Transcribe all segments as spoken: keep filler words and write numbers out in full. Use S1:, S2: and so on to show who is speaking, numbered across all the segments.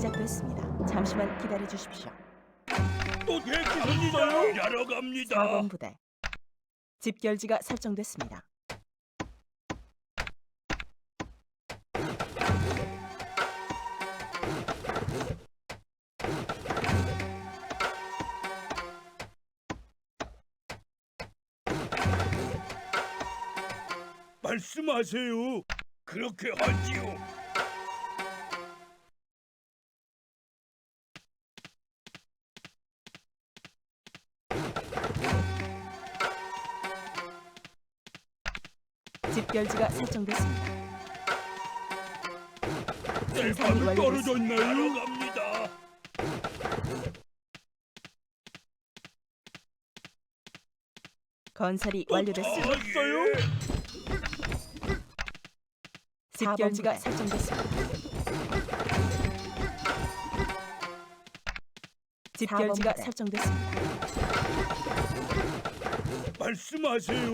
S1: 시작됐습니다. 잠시만 기다려 주십시오.
S2: 또 대기선이요? 일하러 갑니다.
S1: 사 번 부대. 집결지가 설정됐습니다.
S2: 말씀하세요. 그렇게 하지요.
S1: 집결지가 설정됐습니다. 생산이
S2: 뗄감이
S1: 완료됐습니다.
S2: 떨어졌나요? 일하러 갑니다.
S1: 건설이
S2: 또
S1: 완료됐습니다.
S2: 찾으셨어요?
S1: 집결지가 설정됐습니다. 집결지가 설정됐습니다.
S2: 말씀하세요.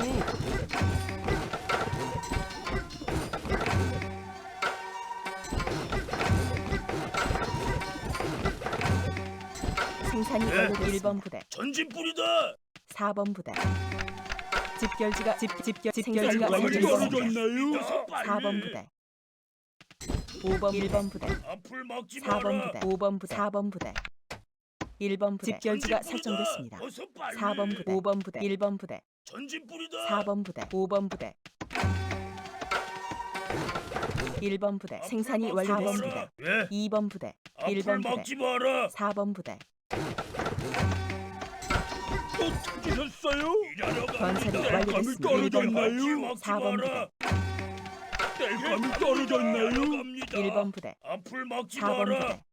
S1: 생산이
S2: 네.
S1: 완료됐습니다. 일 번 부대,
S2: 전진 뿌리다.
S1: 사 번 부대. 집결지가 집 집결 집결지가
S2: 뗄감이
S1: 완료됐습니다.
S2: 떨어졌나요?
S1: 사 번 부대, 오 번 일 번 부대,
S2: 앞을 막지
S1: 사 번
S2: 마라.
S1: 부대, 오 번 부대, 사 번 부대, 일 번 부대. 집결지가
S2: 전진 뿌리다.
S1: 설정됐습니다.
S2: 어서 빨리.
S1: 사 번 부대, 오 번 부대, 일 번 부대,
S2: 전진 뿌리다.
S1: 사 번 부대, 오 번 부대, 일 번 부대. 생산이
S2: 앞을 막지
S1: 완료됐습니다.
S2: 마라. 예.
S1: 이 번 부대, 일
S2: 앞을
S1: 번 부대,
S2: 막지 마라.
S1: 사 번 부대.
S2: 또 찾으셨어요? 일하러
S1: 건설이
S2: 갑니다.
S1: 완료됐습니다.
S2: 뗄감이
S1: 일 번 부대,
S2: 떨어졌나요?
S1: 사 번 부대,
S2: 뗄감이 떨어졌나요?
S1: 일 번 부대,
S2: 앞을 막지
S1: 사 번
S2: 마라.
S1: 부대.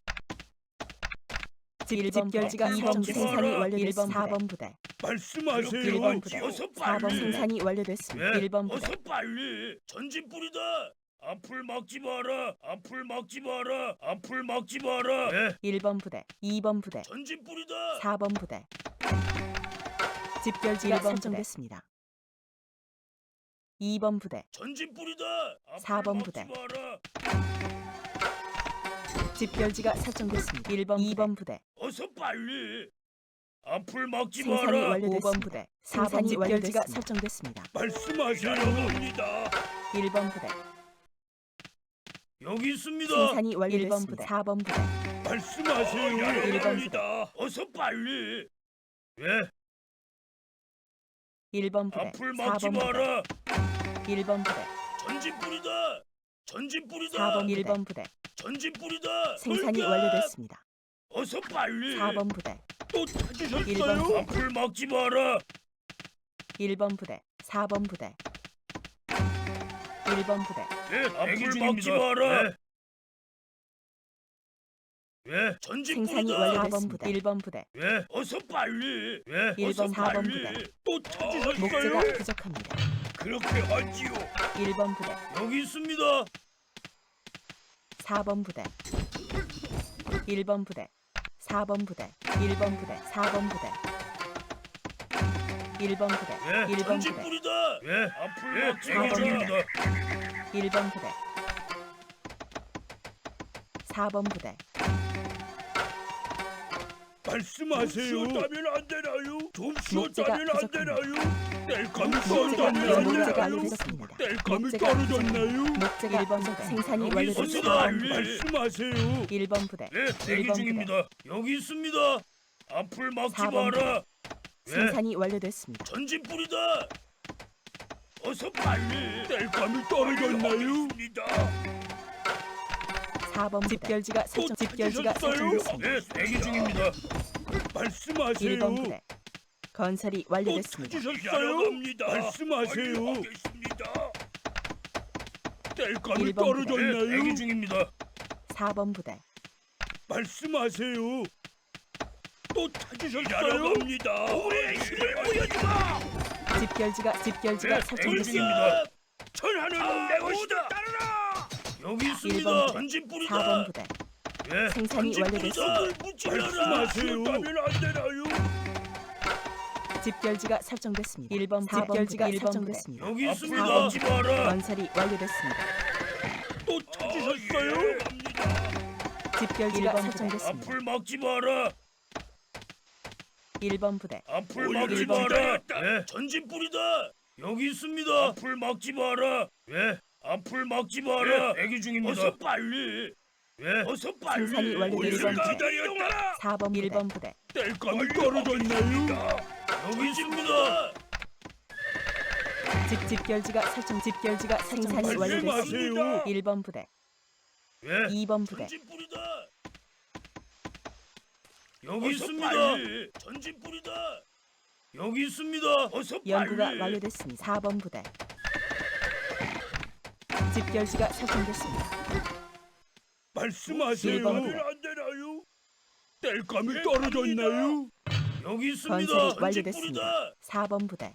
S1: 집 집결지가
S2: 앞을
S1: 설정
S2: 막지
S1: 생산이
S2: 마라.
S1: 완료됐습니다. 사 번 부대,
S2: 말씀하세요.
S1: 일 번 부대.
S2: 어서
S1: 사 번
S2: 빨리.
S1: 생산이 완료됐습니다.
S2: 예,
S1: 일 번 부대,
S2: 어서 빨리. 전진 뿌리다. 앞을 막지 마라. 앞을 막지 마라. 앞을 막지 마라. 예,
S1: 일 번 부대, 이 번 부대,
S2: 전진 뿌리다.
S1: 사 번 부대. 집결지가 설정됐습니다. 이 번 부대,
S2: 전진 뿌리다. 앞을
S1: 사 번
S2: 막지
S1: 부대.
S2: 마라.
S1: 집결지가 설정됐습니다. 일 번, 이 번 부대.
S2: 어서 빨리. 앞을 막지
S1: 생산이
S2: 마라.
S1: 완료됐습니다. 오 번 부대, 사 번 집결지가 설정됐습니다.
S2: 말씀하세요. 갑니다.
S1: 일 번 부대,
S2: 여기 있습니다.
S1: 생산이 완료됐습니다. 사 번 부대,
S2: 말씀하세요.
S1: 일 번
S2: 갑니다. 어서 빨리. 예,
S1: 일 번 부대,
S2: 앞을
S1: 사
S2: 막지
S1: 번 부대,
S2: 마라.
S1: 일 번 부대,
S2: 전진 뿌리다. 전진 뿌리다.
S1: 사 번, 일 번 부대.
S2: 전진 뿌리다.
S1: 생산이
S2: 돌격!
S1: 완료됐습니다.
S2: 어서 빨리.
S1: 사 번 부대,
S2: 또
S1: 일 번
S2: 찾으셨어요?
S1: 부대.
S2: 앞을 막지 마라.
S1: 일 번 부대, 사 번 부대, 일 번 부대,
S2: 예, 앞을 막지 마라. 예. 예, 전진
S1: 생산이
S2: 뿌리다.
S1: 완료됐습니다. 일 번 부대,
S2: 예, 어서 빨리. 예,
S1: 일
S2: 어서
S1: 번, 사 번
S2: 빨리.
S1: 부대.
S2: 또 찾으셨어요?
S1: 목재가 부족합니다.
S2: 그렇게 하지요.
S1: 일 번 부대,
S2: 여기 있습니다.
S1: 사 번 부대, 일 번 부대, 사 번 부대, 일 번 부대, 사 번 부대, 일 번 부대,
S2: 예,
S1: 일 번
S2: 전진
S1: 부대,
S2: 뿌리다. 예, 앞을
S1: 사
S2: 막지
S1: 번
S2: 마라.
S1: 일 번 부대, 사 번 부대.
S2: 말씀하세요. 좀 쉬었다면 안 되나요? 좀
S1: 목재가
S2: 쉬었다면 안
S1: 부족합니다.
S2: 되나요? 뗄감이
S1: 목재가
S2: 떨어졌나요? 안
S1: 목재가
S2: 되나요?
S1: 완료됐습니다.
S2: 뗄감이
S1: 목재가
S2: 떨어졌나요?
S1: 목재가 일 번 부대, 생산이
S2: 여기
S1: 완료됐습니다.
S2: 있습니다.
S1: 사 번 부대,
S2: 말씀하세요.
S1: 일 번 부대,
S2: 네,
S1: 일
S2: 대기
S1: 번
S2: 중입니다. 여기 있습니다. 앞을 막지
S1: 사 번
S2: 마라. 예,
S1: 생산이 완료됐습니다.
S2: 전진 뿌리다. 어서 빨리. 뗄감이 떨어졌나요?
S1: 사 번 집결지가 설정 집결지가 설정됐습니다.
S2: 네, 대기 중입니다. 말씀하세요.
S1: 일 번 부대, 건설이
S2: 또
S1: 완료됐습니다.
S2: 찾으셨어요? 말씀하세요. 뗄감이
S1: 일 번 부대.
S2: 떨어졌나요? 네, 대기 중입니다.
S1: 사 번 부대,
S2: 말씀하세요. 또 찾으셨어요? 갑니다. 우리의 힘을 보여주마.
S1: 집결지가 집결지가
S2: 네, 대기
S1: 설정됐습니다.
S2: 중입니다. 천하는 내 것이다. 따르라. 여기
S1: 일
S2: 있습니다.
S1: 번 부대,
S2: 전진 뿌리다.
S1: 사 번 부대,
S2: 예,
S1: 생산이
S2: 전진
S1: 완료됐습니다.
S2: 뿌리다. 말씀하세요. 따면 안 되나요?
S1: 집결지가 설정됐습니다. 일 번 집결지가 설정됐습니다.
S2: 여기
S1: 사
S2: 있습니다.
S1: 번
S2: 하지 마라.
S1: 건설이 완료됐습니다.
S2: 또 찾으셨어요?
S1: 집결지가
S2: 일 번
S1: 설정됐습니다.
S2: 앞을 막지 마라.
S1: 일 번 부대
S2: 앞을 막지 마라. 예, 전진 뿌리다. 여기 있습니다. 앞을 막지 마라. 예, 앞을 막지 마라. 예, 대기 중입니다. 어서 빨리. 예, 어서 빨리.
S1: 생산이 완료됐습니다.
S2: 우리를 기다렸다.
S1: 사 번 일 번 부대
S2: 뗄감이 떨어졌나요? 여기 있습니다.
S1: 집 집결지가 설정 집결지가 생산이 완료됐습니다.
S2: 말씀하세요.
S1: 일 번 부대
S2: 예,
S1: 이 번 부대
S2: 전진 뿌리다. 여기
S3: 어서
S2: 있습니다.
S3: 빨리.
S2: 전진 뿌리다. 여기 있습니다. 어서
S1: 연구가
S2: 빨리.
S1: 완료됐습니다. 사 번 부대 집결지가 설정됐습니다.
S2: 말씀하세요.
S1: 일 번
S2: 안
S1: 부대.
S2: 되나요? 뗄감이 떨어졌나요? 여기 있습니다.
S1: 건설이
S2: 전진
S1: 완료됐습니다.
S2: 뿌리다.
S1: 사 번 부대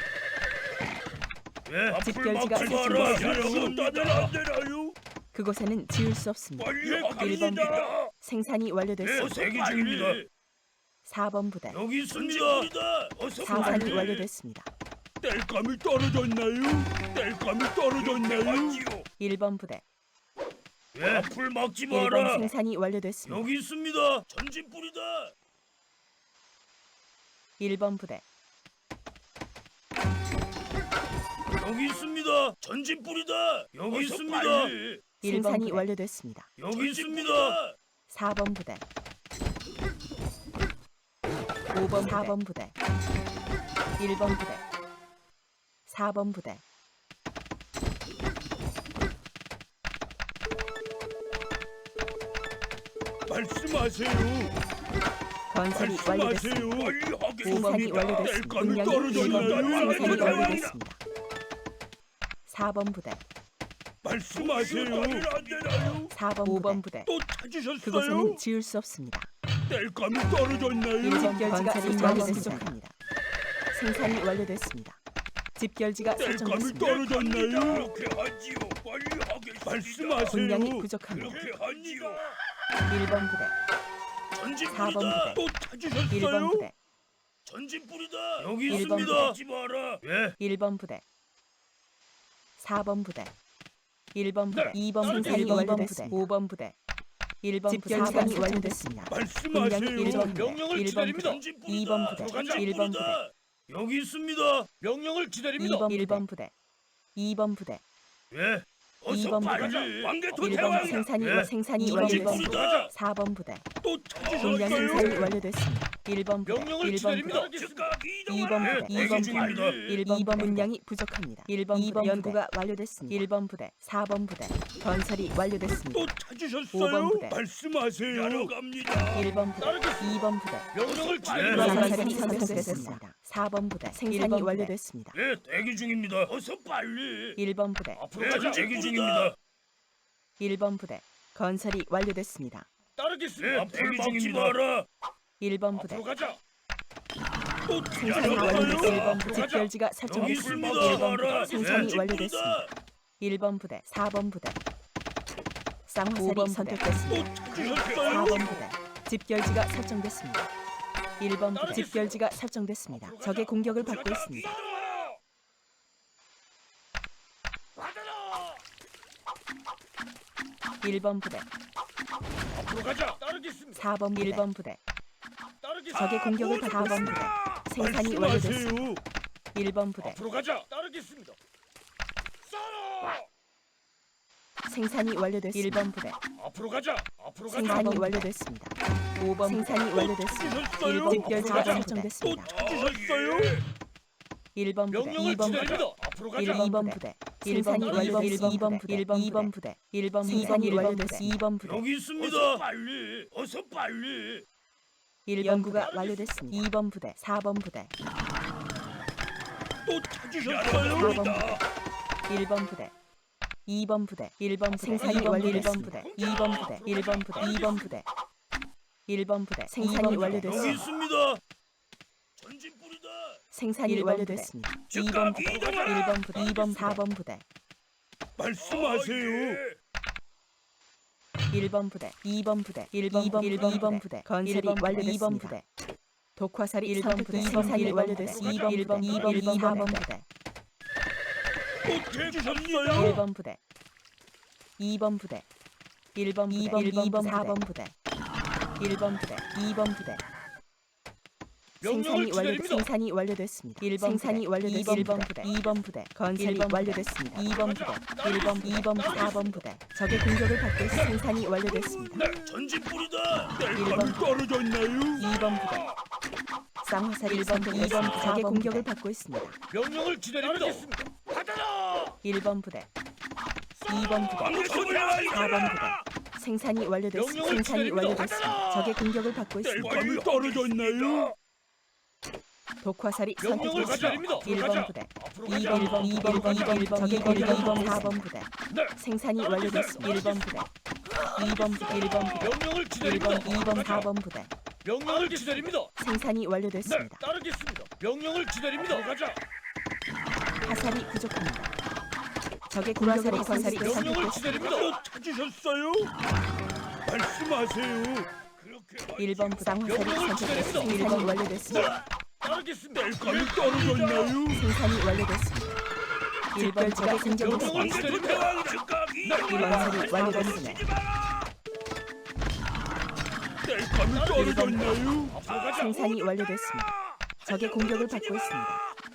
S2: 예, 앞을
S1: 집결지가
S2: 막지 마라.
S1: 설정됐습니다.
S2: 따면 안 되나요?
S1: 그곳에는 지을 수 없습니다.
S2: 빨리
S1: 일 번
S2: 하겠습니다.
S1: 부대 생산이
S2: 예,
S1: 완료됐습니다.
S2: 대기 중입니다.
S1: 사 번 부대
S2: 여기 있습니다. 어서
S1: 생산이
S2: 빨리.
S1: 완료됐습니다.
S2: 뗄감이 떨어졌나요? 뗄감이 떨어졌나요?
S1: 일 번 부대
S2: 예, 앞을 막지
S1: 일 번
S2: 마라.
S1: 생산이 완료됐습니다.
S2: 여기 있습니다. 전진 뿌리다.
S1: 일 번 부대
S2: 여기 있습니다. 전진 뿌리다. 여기
S3: 어서
S2: 있습니다.
S3: 빨리.
S1: 일 번
S2: 예.
S1: 부대
S2: 부대.
S1: 완료됐습니다.
S2: 여기 있습니다.
S1: 사 번 부대 오 번 사 번 부대 일 번 부대 사 번 부대
S2: 말씀하세요.
S1: 건설이 완료됐습니다.
S2: 빨리
S1: 생산이
S2: 하겠습니다.
S1: 완료됐습니다.
S2: 뗄감이
S1: 분량이 일 번 부대
S2: 떨어졌나요?
S1: 생산이 완료됐습니다. 사 번 부대
S2: 말씀하세요. 안 되나요?
S1: 사 번 오 번 부대
S2: 또 찾으셨어요?
S1: 그곳에는 지을 수 없습니다.
S2: 뗄감이 떨어졌나요?
S1: 일 번 집결지가
S2: 건설이
S1: 설정됐습니다. 부족합니다. 생산이 완료됐습니다. 집결지가
S2: 뗄감이
S1: 설정됐습니다.
S2: 떨어졌나요? 그렇게 하지요. 빨리 하겠습니다. 말씀하세요.
S1: 분량이 부족합니다.
S2: 그렇게 하지요.
S1: 일 번 부대
S2: 전진
S1: 사 번
S2: 뿌리다.
S1: 부대.
S2: 또
S1: 일
S2: 찾으셨어요?
S1: 번 부대
S2: 전진 뿌리다. 여기
S1: 일 번
S2: 있습니다.
S1: 부대.
S2: 하지 마라. 예.
S1: 일 번 부대 사 번 부대 일 번 부대
S2: 네,
S1: 이 번
S2: 따르겠습니다.
S1: 생산이 완료됐습니다. 오 번 부대 일 번 부대 생산이 완료됐습니다. 분량이
S2: 말씀하세요.
S1: 일 번 부대
S3: 명령을
S1: 일 번
S3: 기다립니다.
S1: 부대
S2: 전진
S1: 이 번
S2: 뿌리다.
S1: 부대
S2: 전진
S1: 일 번
S2: 뿌리다. 여기 있습니다.
S3: 명령을 기다립니다.
S1: 이 번 일 번 부대 이 번 부대
S2: 예.
S1: 이
S2: 어서
S1: 번
S2: 빨리.
S1: 부대.
S2: 왕개토
S1: 일 번
S2: 대왕.
S1: 생산이
S2: 예.
S1: 생산이
S2: 전진
S1: 완료됐습니다.
S2: 뿌리다.
S1: 사 번 부대
S2: 또
S1: 분량 생산이
S2: 찾으셨어요?
S1: 완료됐습니다. 일 번 부대
S3: 명령을
S1: 일 번
S3: 기다립니다.
S1: 부대
S2: 즉각
S1: 이 번
S2: 이동하라.
S1: 부대
S2: 예,
S1: 이 번
S2: 대기 중입니다.
S1: 일 번 부대 분량이 부족합니다. 일 번 부대 연구가 완료됐습니다. 일 번 부대 사 번 부대 건설이 완료됐습니다.
S2: 또
S1: 오 번
S2: 찾으셨어요?
S1: 부대.
S2: 말씀하세요. 야러 갑니다.
S1: 일 번 부대
S3: 따르겠습니다.
S1: 이 번 부대
S3: 명령을
S2: 예.
S3: 기다립니다.
S1: 건설이 선택됐습니다. 사 번 부대 생산이 완료됐습니다.
S2: 예, 대기 중입니다. 어서 빨리.
S1: 일 번 부대
S3: 앞으로
S2: 예,
S3: 가자.
S2: 대기 중입니다.
S1: 일 번 부대 건설이 완료됐습니다.
S3: 따르겠습니다.
S2: 예, 대기 중입니다.
S1: 일 번 부대
S3: 앞으로 가자.
S2: 또
S1: 생산이
S2: 찾으셨어요?
S1: 완료됐습니다. 일 번 부대
S3: 가자.
S1: 집결지가
S2: 여기
S1: 설정됐습니다.
S2: 있습니다.
S1: 일 번 부대
S2: 예,
S1: 생산이
S2: 전진
S1: 완료됐습니다.
S2: 뿌리다.
S1: 일 번 부대 사 번 부대 쌍화살이
S2: 또
S1: 선택됐습니다. 사
S2: 찾으셨어요?
S1: 번 부대 집결지가 설정됐습니다. 일 번 부대 집결지가 설정됐습니다. 적의 공격을 받고 있습니다.
S3: 받아라.
S1: 일 번 부대
S3: 앞으로 가자. 따르겠습니다.
S1: 사 번 일 번 부대
S3: 따르겠습니다.
S1: 적의 공격을 받고 사 번 부대 생산이 완료됐습니다.
S2: 말씀하세요.
S1: 일 번 부대
S3: 앞으로 가자. 따르겠습니다. 쏴라.
S1: 생산이 완료됐습니다. 일 번 부대
S3: 앞으로 가자. 앞으로 가자.
S1: 생산이 완료됐습니다. 오 번 생산이 완료됐습니다.
S2: 찾으셨어요?
S1: 일 번 집결지가
S3: 앞으로 가자.
S2: 또
S1: 설정됐습니다.
S2: 찾으셨어요?
S1: 일 번 부대
S3: 명령을
S1: 이 번 부대
S3: 기다립니다. 앞으로 가자.
S1: 일 번 부대 생산이 완료됐습니다. 일 번 부대 일 번 부대 일 번 생산이 완료됐습니다. 이 번 부대
S2: 여기 있습니다. 빨리. 어서 빨리.
S1: 일 번 부가 완료됐습니다. 이 번 부대 사 번 부대
S2: 또 찾으셨어요?
S1: 사 번 부대 일 번 부대 이 번 부대 일 번 생산이 완료됐습니다. 이 번 부대 일 번 부대 이 번 부대 일 번 부대 생산이
S2: 여기
S1: 완료됐습니다.
S2: 있습니다. 전진 뿌리다.
S1: 생산이 완료됐습니다. 이 번 부대 일 번 부대 이 번 사 번 부대
S2: 말씀하세요.
S1: 일 번 부대 이 번 부대 일 번 일 번 이 번 부대 건설이 완료됐습니다. 이 번 부대 독화살이 일 번 부대 생산이 완료됐습니다. 이 번 일 번 이 번 이 번 사 번 부대
S2: 또
S1: 일
S2: 찾으셨어요?
S1: 번 부대 이 번 부대 일 번 부대, 이 번, 이 번, 사 번 부대, 일 번 부대, 이 번 부대.
S3: 명령을
S1: 생산이 완료
S3: 기다립니다.
S1: 생산이 완료됐습니다. 일 번 생산이 완료됐습니다. 일 번 부대, 이 번 부대, 건설이 완료됐습니다. 이 번 부대, 일 번, 이 번, 사 번 부대. 적의 공격을 받고 있어 생산이 완료됐습니다.
S2: 네, 전진 뿌리다.
S1: 일 번
S2: 떨어졌나요?
S1: 이 번 부대. 쌍화살 일 번, 이 번 부대. 적의 공격을 받고 있습니다.
S3: 명령을 기다립니다. 따르겠습니다. 받아라.
S1: 일 번 부대, 이 번 부대, 사 번 부대. 생산이 완료됐습니다.
S3: 명령을
S1: 생산이
S3: 기다립니다.
S1: 완료됐습니다. 적의 공격을 받고 있습니다.
S2: 뗄감이 떨어졌나요?
S1: 독화살이
S3: 명령을
S1: 선택됐습니다.
S3: 기다립니다.
S1: 일 번
S3: 가자.
S1: 부대,
S3: 앞으로
S1: 이
S3: 가자.
S1: 번, 이 번, 이 번, 이 번, 일 번, 적의 공격 이 번, 사 번 부대.
S3: 네.
S1: 생산이 완료됐습니다. 일 번 부대, 이 번 부대, 일 번 부대,
S3: 명령을
S1: 일
S3: 기다립니다.
S1: 번, 이 번,
S3: 가자.
S1: 사 번 부대.
S3: 명령을 기다립니다.
S1: 생산이
S3: 네,
S1: 완료됐습니다.
S3: 따르겠습니다. 명령을 기다립니다. 가자.
S1: 화살이 부족합니다. 적의 공격을 화살이
S3: 명령을
S1: 선택됐습니다.
S3: 기다립니다.
S2: 찾으셨어요? 말씀하세요. 그렇게
S1: 일 번 부상 화살이
S3: 명령을
S1: 선택됐습니다.
S3: 기다립니다.
S1: 생산이 완료됐습니다.
S3: 따르겠습니다.
S2: 뗄감이 떨어졌나요?
S1: 생산이 완료됐습니다. 일 번 적의 공격을 받고
S3: 명령을
S1: 있습니다.
S3: 기다립니다.
S1: 일 번 화살이 완료됐습니다.
S2: 뗄감이 떨어졌나요?
S3: 앞으로 가자.
S1: 생산이 완료됐습니다. 적의 공격을 받고 있습니다.